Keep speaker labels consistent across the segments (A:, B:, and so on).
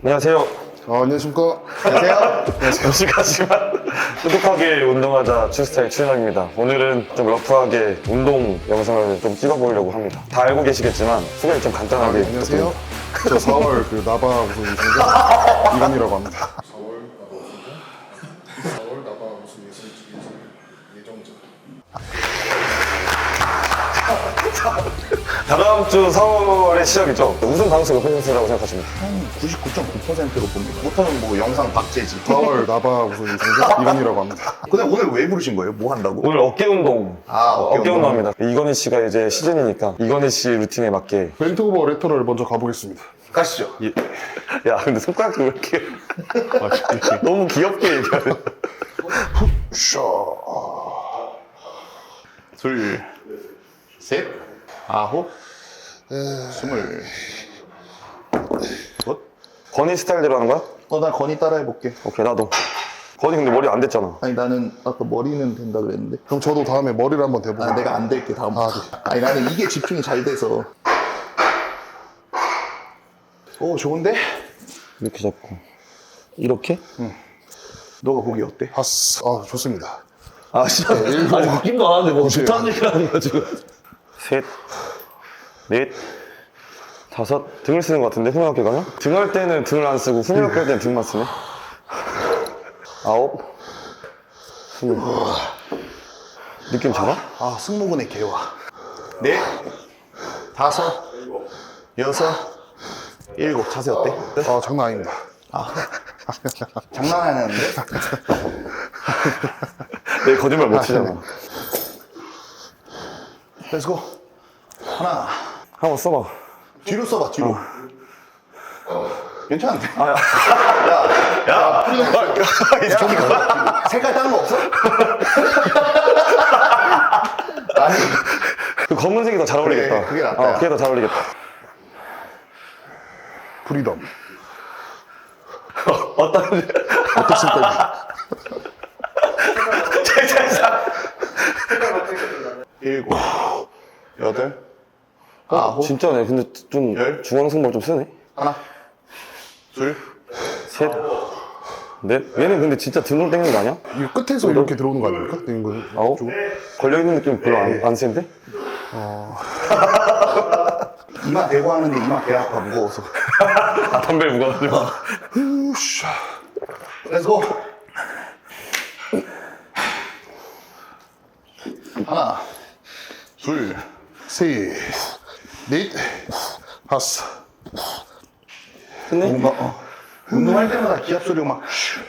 A: 안녕하세요.
B: 안녕하십니까.
A: 안녕하세요. 무식하지만 똑똑하게 운동하자 추스타일 최상입니다. 오늘은 좀 러프하게 운동 영상을 좀 찍어보려고 합니다. 다 알고 계시겠지만 소개를 좀 간단하게.
B: 안녕하세요. 저 4월 그 나바 우승 우승자 이건이라고 합니다. 4월 나바 우승 예정자.
A: 다음 주 4월의 시작이죠. 우승 가능성이 높은 선수라고 생각하십니다.
C: 한 99.9%로 봅니다. 못하면 뭐 영상 박제지.
B: 4월 나바 우승 우승자 이건이라고 합니다.
C: 근데 오늘 왜 부르신 거예요? 뭐 한다고?
A: 오늘 어깨 운동.
C: 어깨 운동.
A: 운동합니다. 이건희 씨가 이제 시즌이니까 이건희 씨 루틴에 맞게.
B: 벤트오버 레터럴 먼저 가보겠습니다.
C: 가시죠.
A: 야, 근데 손가락이 왜 이렇게 너무 귀엽게 얘기하네.
C: 둘, 셋, 아홉, 스물.
A: 건희 스타일대로 하는 거야?
C: 나 건이 따라 해볼게.
A: 오케이, 나도. 건희 근데 머리 안 됐잖아.
C: 아니 나는 아까 머리는 된다 그랬는데.
B: 그럼 저도 다음에 머리를 한번 대보고.
C: 내가 안 될게 다음부터. 아니 나는 이게 집중이 잘 돼서. 오 좋은데?
A: 이렇게 잡고. 이렇게?
C: 너가 보기 어때?
B: 하스. 좋습니다.
A: 진짜. 아니, 웃긴도 안 하는데 뭐 좋다는 얘기를 하는 거야, 지금. 셋, 넷, 다섯. 등을 쓰는 것 같은데, 후면어깨 가면? 등할 때는 등을 안 쓰고, 후면어깨 할 때는 등만 쓰네. 아홉, 스물. 느낌 잡아?
C: 승모근의 개화. 넷, 다섯, 여섯, 일곱. 자세 어때?
B: 장난 아닙니다.
C: 장난하는데?
A: 내 거짓말 못 치잖아.
C: 렛츠고. 하나.
A: 한번 써봐.
C: 뒤로 써봐, 뒤로. 괜찮은데? 색깔 다른 거 없어? 아니,
A: 그 검은색이 더 잘 어울리겠다.
C: 그래, 그게 낫다.
A: 그게 더 잘 어울리겠다.
B: 프리덤.
A: 어떻습니까?
C: 일곱, 여덟, 아홉,
A: 진짜네. 근데 좀
C: 열?
A: 중앙선발 좀 쓰네.
C: 하나, 둘,
A: 셋, 넷. 얘는 근데 진짜 등으로 당기는 거 아니야?
B: 이거 끝에서 이렇게 들어오는 거 아닙니까? 이거
A: 아홉? 걸려있는 느낌 별로 안 센데?
C: 이마 대고 하는데 이마 배 아파 무거워서.
A: 덤벨 무거워가지고.
C: 렛츠고. 하나, 둘,
B: 셋, 넷, 다섯.
A: 근데?
C: 뭔가 운동할 때마다 기합 소리가 막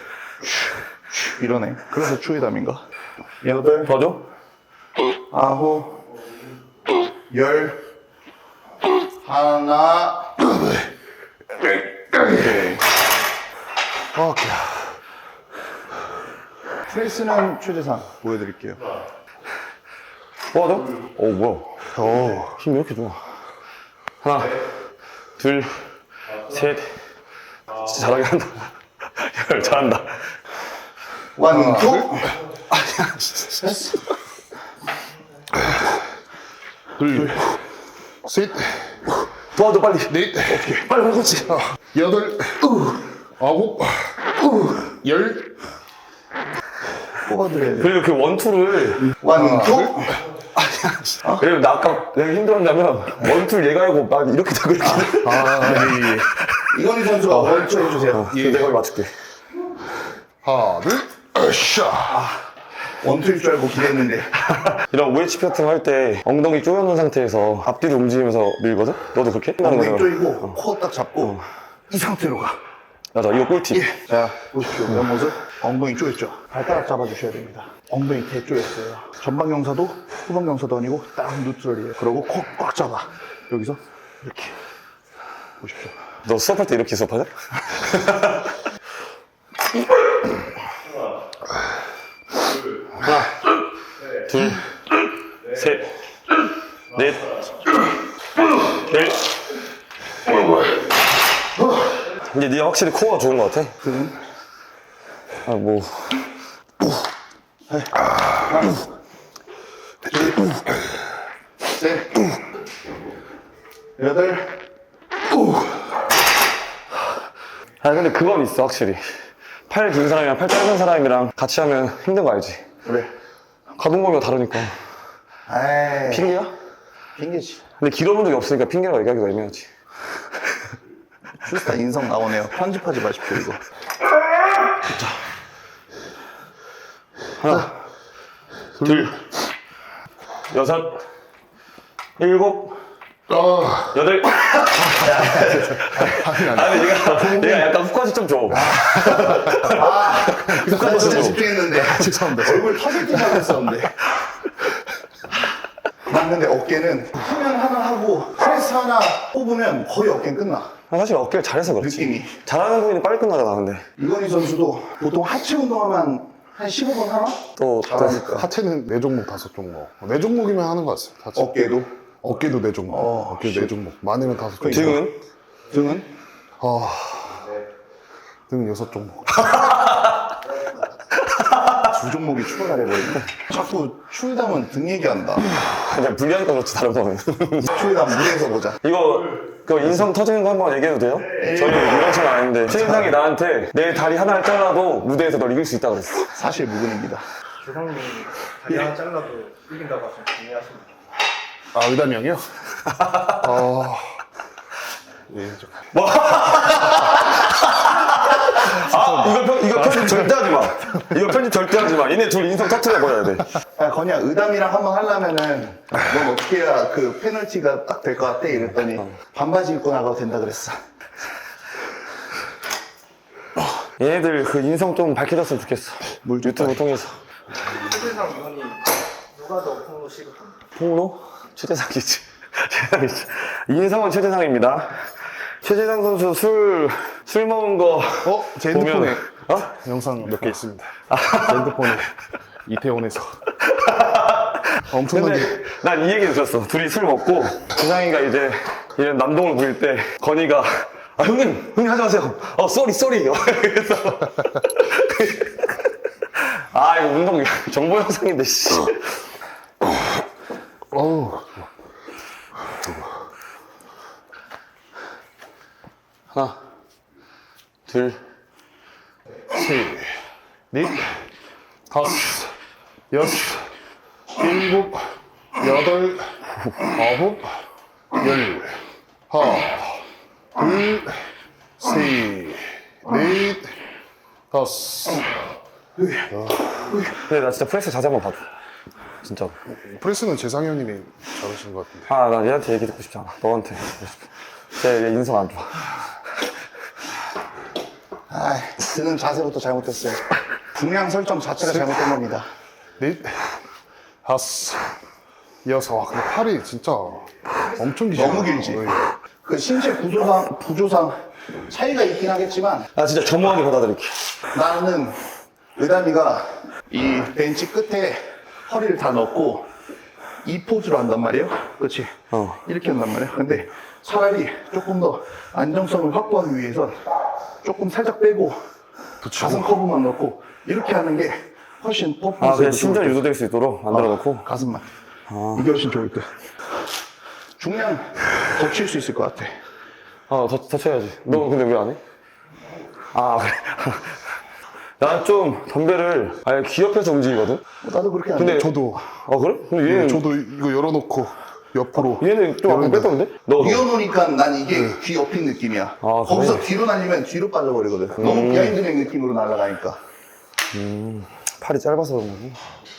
C: 이러네. 그래서 추위담인가? 여덟,
A: 도와줘?
C: 아홉, 열, 하나. 오케이.
B: 오케이.
C: 프레스는 최대상 보여드릴게요.
A: 도와줘? 뭐야. 힘이 이렇게 좋아. 하나, 둘, 셋. 진짜 잘하게 한다. 야, 잘한다.
C: 원, 투.
B: 둘, 셋,
A: 도와줘, 빨리.
B: 넷,
A: 빨리, 그렇지.
B: 여덟, 아홉, 열.
C: 뽑아드려야 돼.
A: 그리고 그 원투를.
C: 원, 투.
A: 왜냐면 나 아까 내가 힘들었냐면 원투를 얘가 하고 난 이렇게 되고 이렇게.
C: 이건희 선수가 원투 해주세요.
A: 내가 거기 맞출게.
B: 하나, 둘, 샤.
C: 원투일 줄 알고 기대했는데.
A: 이런 OHP 같은 거 할 때 엉덩이 조여놓은 상태에서 앞뒤로 움직이면서 밀거든? 너도 그렇게?
C: 엉덩이
A: 거잖아.
C: 조이고 코 딱 잡고 이 상태로 가.
A: 맞아, 이거 꿀팁.
C: 자, 보십시오. 옆모습. 엉덩이 조였죠? 발가락 잡아주셔야 됩니다. 엉덩이 대 조였어요. 전방 경사도 후방 경사도 아니고 딱 뉴트럴이에요. 그러고 코 꽉 잡아. 여기서 이렇게. 보십시오.
A: 너 수업할 때 이렇게 수업하냐? 하나, 둘, 셋, 넷, 넷. 근데 네가 확실히 코어가 좋은 것 같아. 뭐.
C: 셋, 여덟,
A: 아 근데 그건 있어 확실히. 팔 긴 사람이랑 팔 짧은 사람이랑 같이 하면 힘든 거 알지?
C: 왜?
A: 가동 범위가 다르니까.
C: 에이,
A: 핑계야?
C: 핑계지.
A: 근데 길어본 적이 없으니까 핑계라고 얘기하기가 애매하지.
C: 슈스타 인성 나오네요. 편집하지 마십시오, 이거.
A: 하나, 둘, 여섯, 일곱, 여덟. 아니 얘가 약간 후까지 좀 줘.
C: 나 진짜
A: 줘.
C: 집중했는데.
B: 죄송합니다.
C: 얼굴 터질 듯 하겠었는데. 난 근데 어깨는 후면 하나 하고 프레스 하나 뽑으면 거의 어깨는 끝나.
A: 사실 어깨를 잘해서 그렇지.
C: 느낌이.
A: 잘하는 부분이 빨리 끝나잖아 근데.
C: 유건희 선수도 보통 하체 운동하면 한 15분 하나?
A: 또
C: 잘하니까.
B: 하체는 4종목 5종목. 4종목이면 하는 것 같습니다. 하체.
C: 어깨도?
B: 어깨도 4종목. 어깨도 4종목. 많으면 5종목.
A: 등은?
C: 등은?
B: 등은 6종목.
C: 두 종목이 추가가 돼버리네. 자꾸 추위담은 등 얘기한다.
A: 그냥 분리하니까 그렇지 다른 거는.
C: 추위담 무대에서 보자.
A: 이거 그 인성 터지는 거 한번 얘기해도 돼요? 저희 이런 건 아닌데 최인상이 나한테 내 다리 하나를 잘라도 무대에서 널 이길 수 있다 그랬어.
C: 사실 무근입니다.
D: 조상님이 다리 하나 잘라도 이긴다고 하시면 동의하십니까?
B: 아, 의담이 형이요? 예, 좀.
A: 이거 편집 절대 하지 마. 이거 편집 절대 하지 마. 얘네 둘 인성 터트려 버려야 돼.
C: 야, 건이야, 의담이랑 한번 하려면은 넌 어떻게 해야 그 페널티가 딱 될 것 같아? 이랬더니 반바지 입고 나가도 된다 그랬어.
A: 얘네들 그 인성 좀 밝혀졌으면 좋겠어. 유튜브 통해서.
D: 최대상 위원이 누가 더 폭로 시급합니까?
A: 폭로? 최재상이지. 최재상이지. 인성은 최재상입니다. 최재상 선수 술 먹은 거.
B: 제
A: 보면-
B: 핸드폰에
A: 어?
B: 영상 몇 개 있습니다. 제 핸드폰에 이태원에서 엄청나게
A: 근데 난 이 얘기 들었어. 둘이 술 먹고 재상이가 이제 이런 남동을 부릴 때 건이가 형님 하지 마세요. 쏘리. 그래서 아 이거 운동 정보 영상인데 씨.
B: 어우,
A: 하나, 둘,
B: 셋, 넷, 다섯, 여섯, 일곱, 여덟, 아홉, 열. 하나, 둘, 셋, 넷, 다섯.
A: 근데 나 진짜 프레스 자세 한번 봐줘. 진짜.
B: 프레스는 재상이 형님이 잘하시는 것 같은데.
A: 아, 나 얘한테 얘기 듣고 싶지 않아. 너한테 듣고 싶어. 쟤 인성 안 좋아.
C: 아, 드는 자세부터 잘못했어요. 중량 설정 자체가 잘못된 겁니다.
B: 넷, 다섯, 여섯. 와, 근데 팔이 진짜 엄청 길죠.
C: 너무 길지.
B: 네.
C: 그 신체 구조상 차이가 있긴 하겠지만
A: 나 진짜 전무하게 받아들일게.
C: 나는 의담이가 이 벤치 끝에 허리를 다 넣고 이 포즈로 한단 말이에요. 그렇지? 이렇게 한단 말이에요. 근데 차라리 조금 더 안정성을 확보하기 위해서 조금 살짝 빼고 가슴 커브만 넣고 이렇게 하는 게 훨씬
A: 아,
C: 퍼포먼스에
A: 그냥 심장 유도될 수 있도록 만들어 놓고.
C: 가슴만 이게 훨씬 좋을 듯. 중량 더 칠 수 있을 것 같아.
A: 더 쳐야지. 너 근데 왜 안 해? 아, 그래. 난 좀 덤벨을 아예 귀 옆에서 움직이거든?
C: 나도 그렇게 안 돼.
A: 근데
B: 저도,
A: 그래? 근데 얘는,
B: 저도 이거 열어놓고 옆으로.
A: 얘는 좀 아까 뺐던데? 너.
C: 이어놓으니까 난 이게 귀 옆인 느낌이야.
A: 그래?
C: 거기서 뒤로 날리면 뒤로 빠져버리거든. 너무 비하인드랙 느낌으로 날아가니까.
A: 팔이 짧아서 그런 거지.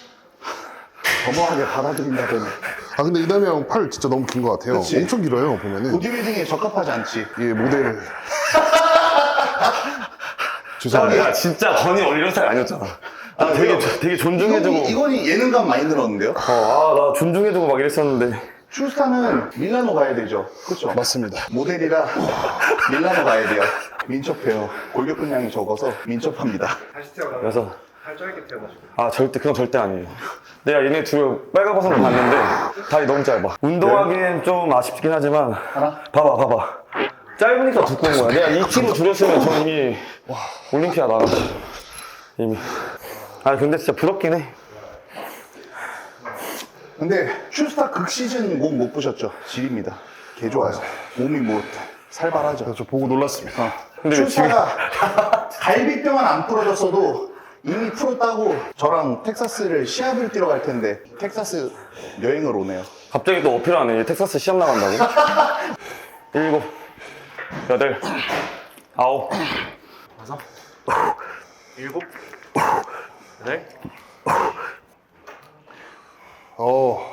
C: 겸허하게 받아들인다더니.
B: 아, 근데 이담이 형 팔 진짜 너무 긴 것 같아요.
C: 그치?
B: 엄청 길어요, 보면은.
C: 보디빌딩에 적합하지 않지.
B: 예, 모델. 죄송합니다.
A: 야, 진짜 건이 원래 이런 스타일 아니었잖아. 나 되게 존중해주고.
C: 이건이 예능감 많이 늘었는데요?
A: 나 존중해주고 막 이랬었는데.
C: 슈스타는 밀라노 가야 되죠. 그렇죠?
B: 맞습니다.
C: 모델이라 밀라노 가야 돼요. 민첩해요. 골격근량이 적어서 민첩합니다.
D: 다시 태어나면
A: 그래서,
D: 살 짧게 태어나시고
A: 그건 절대 아니에요. 내가 얘네 둘 빨가벗은 걸 봤는데, 다리 너무 짧아. 운동하기엔 좀 아쉽긴 하지만,
C: 하나?
A: 봐봐. 짧으니까 두꺼운 거야. 내가 2kg 줄였으면 저 이미 올림피아 나갔어. 이미. 근데 진짜 부럽긴 해.
C: 근데 슈스타 극시즌 몸 못 보셨죠? 질입니다. 개 좋아요. 몸이 뭐 살벌하죠.
B: 그래서 저 보고 놀랐습니다.
A: 근데 왜 지금
C: 출사가 갈비뼈만 안 부러졌어도 이미 풀었다고 저랑 텍사스를 시합을 뛰러 갈 텐데 텍사스 여행을 오네요.
A: 갑자기 또 어필하네. 텍사스 시험 나간다고. 7, 8, 9,
D: 7, 8.
B: 어.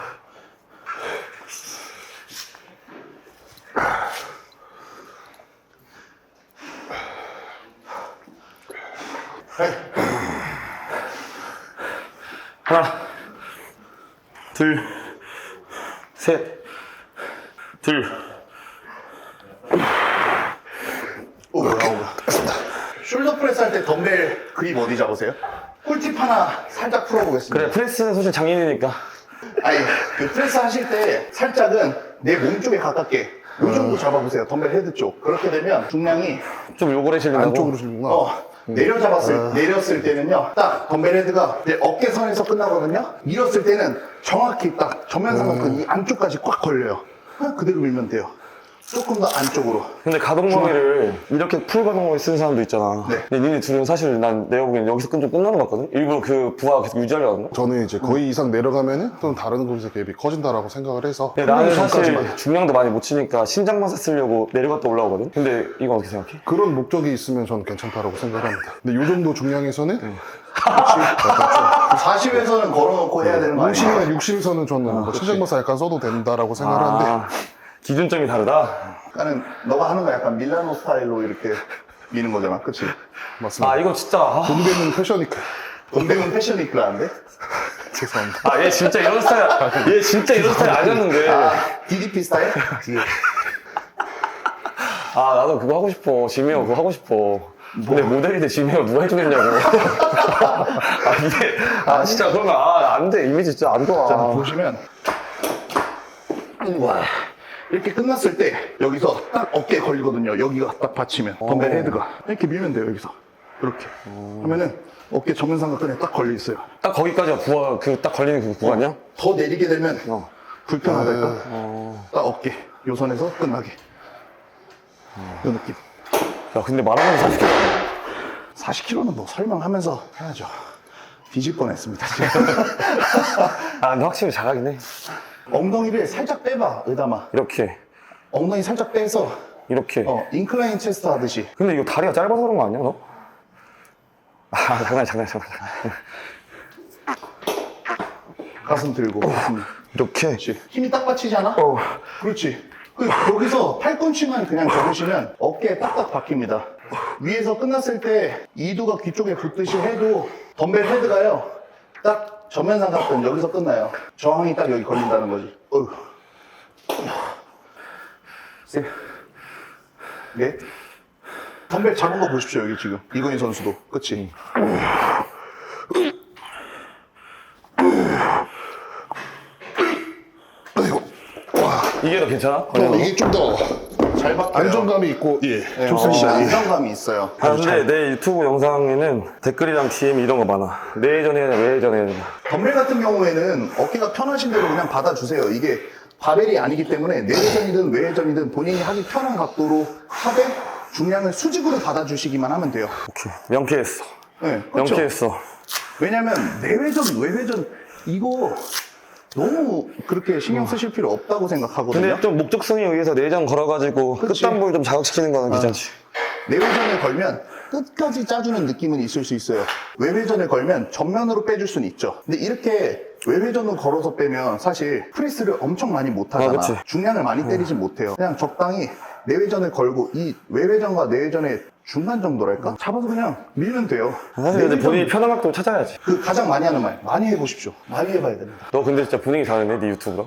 A: 하나, 둘, 셋, 둘.
C: 숄더 프레스 할 때 덤벨 그립 어디 잡으세요? 꿀팁 하나 살짝 풀어보겠습니다.
A: 그래, 프레스는 솔직히 장인이니까.
C: 아니, 그 프레스 하실 때 살짝은 내 몸 쪽에 가깝게 이 정도 잡아보세요. 덤벨 헤드 쪽. 그렇게 되면 중량이
A: 좀 요거래 실린다고.
B: 안쪽으로 실구나.
C: 내렸을 때는요, 딱 덤벨 헤드가 내 어깨선에서 끝나거든요. 밀었을 때는 정확히 딱 전면삼각근 이 안쪽까지 꽉 걸려요. 그대로 밀면 돼요. 조금 더 안쪽으로.
A: 근데 가동범위를 이렇게 풀 가동범위 쓰는 사람도 있잖아.
C: 네.
A: 근데 니네 둘은 사실 난 내가 보기엔 여기서 좀 끝나는 것 같거든? 일부러 그 부하 계속 유지하려고 하는
B: 저는 이제 거의 이상 내려가면은 또 다른 곳에서 갭이 커진다라고 생각을 해서
A: 근데 나는
B: 훈련
A: 사실
B: 전까지만.
A: 중량도 많이 못 치니까 신장마사 쓰려고 내려갔다 올라오거든? 근데 이건 어떻게 생각해?
B: 그런 목적이 있으면 저는 괜찮다라고 생각을 합니다. 근데 이 정도 중량에서는
C: 40에서는 걸어놓고 해야 되는 거 아니에요?
B: 50이나 60에서는 저는 뭐 신장마사 약간 써도 된다라고 생각을 하는데
A: 아, 기준점이 다르다?
C: 그러니까 너가 하는 거 약간 밀라노 스타일로 이렇게 미는 거잖아. 그치?
B: 맞습니다.
A: 아, 이거 진짜. 아,
B: 동대문 패션이크.
C: 동대문 패션 위크라는데?
B: 죄송합니다.
A: 얘 진짜 이런 스타일, 얘 진짜 이런 스타일 아니었는데.
C: DDP 스타일?
A: 아, 나도 그거 하고 싶어. 지메어 그거 하고 싶어. 근데 모델이 돼 지메어 누가 해주겠냐고. 진짜 그런 거, 안 돼. 이미지 진짜 안 좋아.
C: 자, 보시면 이렇게 끝났을 때 여기서 딱 어깨에 걸리거든요. 여기가 딱 받치면 덤벨 헤드가 이렇게 밀면 돼요. 여기서 이렇게 하면은 어깨 정면삼각근에 딱 걸려 있어요.
A: 딱 거기까지가 부하, 딱 걸리는 그 구간이야?
C: 더 내리게 되면 불편하달까? 딱 어깨 요 선에서 끝나게 요 느낌.
A: 야, 근데 말하면서 40kg.
C: 40kg는 뭐 설명하면서 해야죠. 뒤질 뻔했습니다.
A: 아, 근데 확실히 잘하긴 해.
C: 엉덩이를 살짝 빼봐, 의담아.
A: 이렇게,
C: 엉덩이 살짝 빼서
A: 이렇게.
C: 인클라인 체스트 하듯이.
A: 근데 이거 다리가 짧아서 그런 거 아니야, 너? 장난.
C: 가슴 들고.
A: 이렇게.
C: 그렇지. 힘이 딱 받치잖아? 그렇지. 여기서 팔꿈치만 그냥 접으시면 어깨에 딱딱 박힙니다. 위에서 끝났을 때 이두가 귀 쪽에 붙듯이 해도 덤벨 헤드가요. 딱 전면삼각근 여기서 끝나요. 저항이 딱 여기 걸린다는 거지. 네? 덤벨 잡은 거 보십시오, 여기 지금. 이건희 선수도. 그치?
A: 이게 더 괜찮아?
B: 이게 좀 더
C: 잘 박혀요.
B: 안정감이 있고
C: 네,
B: 좋습니다.
C: 안정감이 있어요.
A: 근데 내 유튜브 영상에는 댓글이랑 DM 이런 거 많아. 내회전 해야 되나, 외회전 해야 되나.
C: 덤벨 같은 경우에는 어깨가 편하신 대로 그냥 받아주세요. 이게 바벨이 아니기 때문에 내회전이든 외회전이든 본인이 하기 편한 각도로 하되 중량을 수직으로 받아주시기만 하면 돼요.
A: 오케이. 명쾌했어.
C: 네, 그렇죠.
A: 명쾌했어.
C: 왜냐면 내회전, 외회전 이거 너무 그렇게 신경 쓰실 필요 없다고 생각하거든요.
A: 근데 좀 목적성에 의해서 내장 걸어가지고
C: 그치.
A: 끝단볼 좀 자극시키는 거는 괜찮지.
C: 내회전을 걸면 끝까지 짜주는 느낌은 있을 수 있어요. 외회전을 걸면 전면으로 빼줄 수는 있죠. 근데 이렇게 외회전을 걸어서 빼면 사실 프레스를 엄청 많이 못 하잖아.
A: 그치.
C: 중량을 많이 때리진 못해요. 그냥 적당히 내회전을 걸고 이 외회전과 내회전의 중간 정도랄까? 잡아서 그냥 밀면 돼요.
A: 사실 근데
C: 내회전-
A: 본인이 편한 각도 찾아야지.
C: 그 가장 많이 하는 말 많이 해보십시오. 많이 해봐야 됩니다.
A: 너 근데 진짜 분위기 다르네, 네 유튜브랑.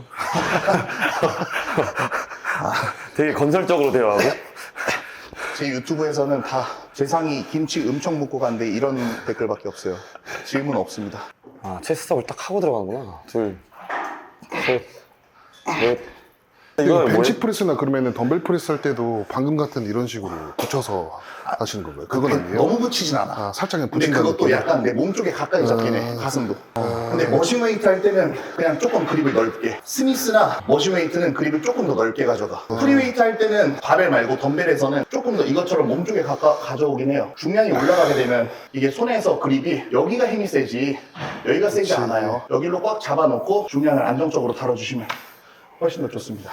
A: 되게 건설적으로 대화하고.
C: 제 유튜브에서는 다 재상이 김치 엄청 묻고 간데 이런 댓글밖에 없어요. 질문 없습니다.
A: 아, 체스업을 딱 하고 들어가는구나. 둘, 셋, 넷, 이거는
B: 벤치 프레스나 그러면은 덤벨 프레스 할 때도 방금 같은 이런 식으로 붙여서 하시는 건가요? 그건 아니에요?
C: 너무 붙이진 않아.
B: 아, 살짝 그냥
C: 근데
B: 붙인다는
C: 그것도
B: 느낌.
C: 약간 내 몸 쪽에 가까이 잡긴 해, 가슴도. 근데 머신웨이트 할 때는 그냥 조금 그립을 넓게. 스미스나 머신웨이트는 그립을 조금 더 넓게 가져가. 프리웨이트 할 때는 바벨 말고 덤벨에서는 조금 더 이것처럼 몸 쪽에 가져오긴 해요. 중량이 올라가게 되면 이게 손에서 그립이 여기가 힘이 세지 여기가 세지 않아요. 여기로 꽉 잡아놓고 중량을 안정적으로 다뤄주시면 훨씬 더 좋습니다.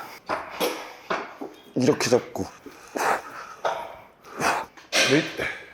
A: 이렇게 잡고.
B: 네.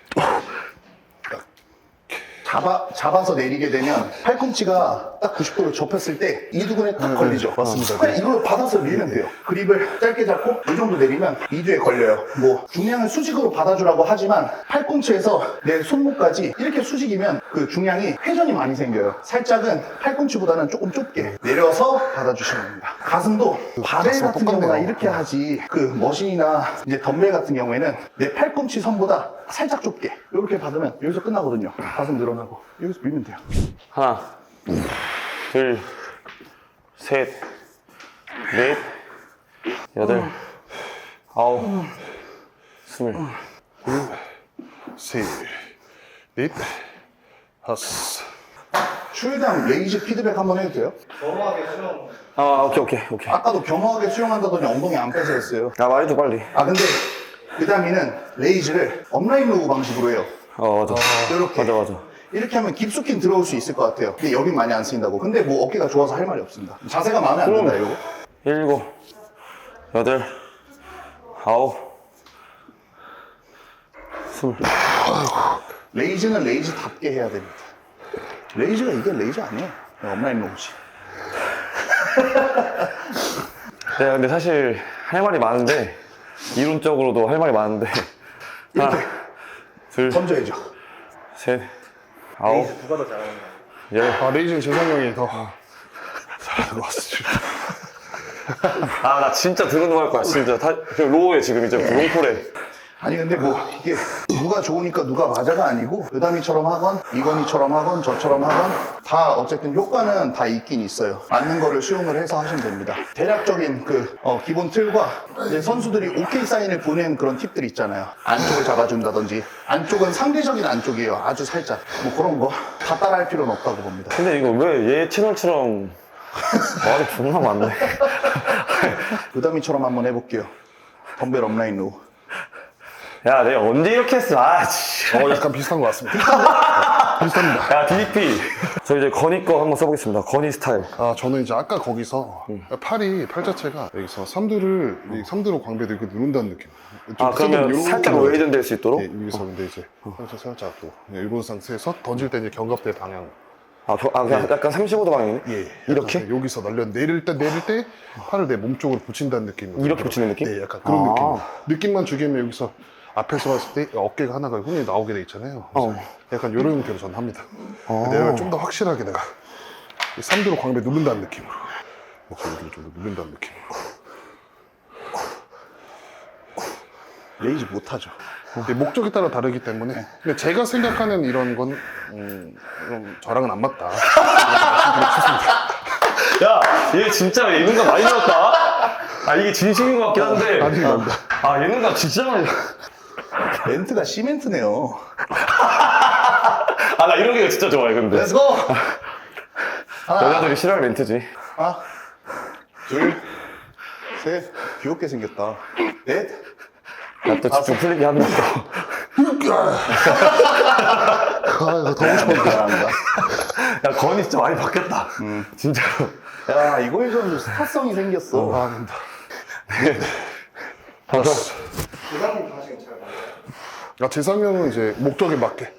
C: 잡아서 내리게 되면 팔꿈치가 딱 90도로 접혔을 때 이두근에 딱 걸리죠.
B: 맞습니다.
C: 그냥 이걸 받아서 밀면 돼요. 그립을 짧게 잡고 이 정도 내리면 이두에 걸려요. 뭐 중량을 수직으로 받아주라고 하지만 팔꿈치에서 내 손목까지 이렇게 수직이면 그 중량이 회전이 많이 생겨요. 살짝은 팔꿈치보다는 조금 좁게 내려서 받아주시면 됩니다. 가슴도 바벨
B: 가슴
C: 같은
B: 똑같네요.
C: 경우나 이렇게 하지 그 머신이나 이제 덤벨 같은 경우에는 내 팔꿈치 선보다 살짝 좁게 이렇게 받으면 여기서 끝나거든요. 가슴 늘어나고 여기서 밀면 돼요.
A: 하나, 둘, 셋, 넷, 여덟, 아홉, 스물.
B: 셋, 넷, 다섯.
C: 추일당 레이즈 피드백 한번 해도 돼요?
D: 겸허하게 수영.
A: 아, 오케이.
C: 아까도 겸허하게 수영한다더니 엉덩이 안 빼서 했어요.
A: 야, 말해줘, 빨리.
C: 아 근데 그 다음에는 레이즈를 업라인 로우 방식으로 해요.
A: 맞아.
C: 이렇게.
A: 맞아.
C: 이렇게 하면 깊숙이 들어올 수 있을 것 같아요. 근데 여긴 많이 안 쓰인다고. 근데 뭐 어깨가 좋아서 할 말이 없습니다. 자세가 마음에 안 든다 이거.
A: 일곱, 여덟, 아홉, 스물.
C: 레이즈는 레이즈답게 해야 됩니다. 레이즈가 이게 레이즈 아니에요. 업라인 로우지.
A: 네, 근데 사실 할 말이 많은데, 이론적으로도 할 말이 많은데. 하나, 둘,
C: 던져야죠.
A: 셋, 아홉,
D: 누가 더 잘하는 거야?
A: 열.
B: 아, 레이즈는 재상이 형이 더 잘하는 것 같습니다.
A: 아, 나 진짜 드러누할 거야, 진짜. 로우에 지금 이제 롱폴에.
C: 아니 근데 뭐 이게 누가 좋으니까 누가 맞아가 아니고 그다미처럼 하건 이건희처럼 하건 저처럼 하건 다 어쨌든 효과는 다 있긴 있어요. 맞는 거를 수용을 해서 하시면 됩니다. 대략적인 그 기본 틀과 이제 선수들이 오케이 사인을 보낸 그런 팁들 있잖아요. 안쪽을 잡아준다든지 안쪽은 상대적인 안쪽이에요. 아주 살짝 뭐 그런 거 다 따라할 필요는 없다고 봅니다.
A: 근데 이거 왜 얘 채널처럼 말이 존나 많네.
C: 그다미처럼 한번 해볼게요. 덤벨 업라인 로우.
A: 야, 내가 언제 이렇게 했어? 아, 진짜.
B: 약간 비슷한 것 같습니다. 비슷합니다.
A: 야, DDP. 저 이제 건이 거 한번 써보겠습니다. 건이 스타일.
B: 아, 저는 이제 아까 거기서 팔 자체가 여기서 삼두를, 이 삼두로 광배를 이렇게 누른다는 느낌.
A: 아, 그러면 살짝 웨이든 될 수 있도록?
B: 네, 여기서 근데 이제 살짝 또 이런 상태에서 던질 때 이제 견갑대 방향.
A: 그냥 약간 35도 방향이네?
B: 예.
A: 이렇게?
B: 약간 여기서 내릴 때 팔을 내 몸 쪽으로 붙인다는 느낌.
A: 이렇게 붙이는 느낌?
B: 네, 약간 그런
A: 아.
B: 느낌. 느낌만 주기면 여기서 앞에서 봤을 때 어깨가 하나가 흔히 나오게 돼 있잖아요. 그래서 약간 이런 형태로 전 합니다. 내가 좀 더 확실하게 내가 이 삼두로 광배 누른다는 느낌으로. 여기를 좀 더 누른다는 느낌으로.
C: 레이즈 못하죠.
B: 근데 목적에 따라 다르기 때문에 근데 제가 생각하는 이런 건 좀 저랑은 안 맞다.
A: 야, 얘 진짜 예능감 많이 나왔다? 아, 이게 진심인 것 같긴 한데.
B: 아닙니다.
A: 아, 예능감 진짜 많이
C: 멘트가 시멘트네요.
A: 아, 나 이런 게 진짜 좋아해, 근데.
C: 렛츠고!
A: 여자들이 싫어할 멘트지.
C: 하나, 둘, 셋. 귀엽게 생겼다. 넷.
A: 나 또 집중 풀리게 한다.
B: 아, 더 오셨다.
C: 잘합니다.
A: 야, 건이 진짜 많이 바뀌었다. 진짜로.
C: 야, 이거에서는 스타성이 생겼어.
B: 아, 아닙니다.
A: 다섯.
D: 부장님 하시는 잘 맞아요.
B: 아, 재상이 형은 이제 목적에 맞게.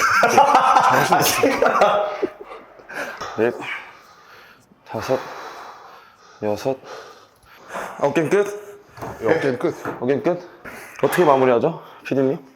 A: 넷, 다섯, 여섯. 어깨 끝?
B: 어깨는 끝.
A: 어깨 끝? 어떻게 마무리하죠, 피디님?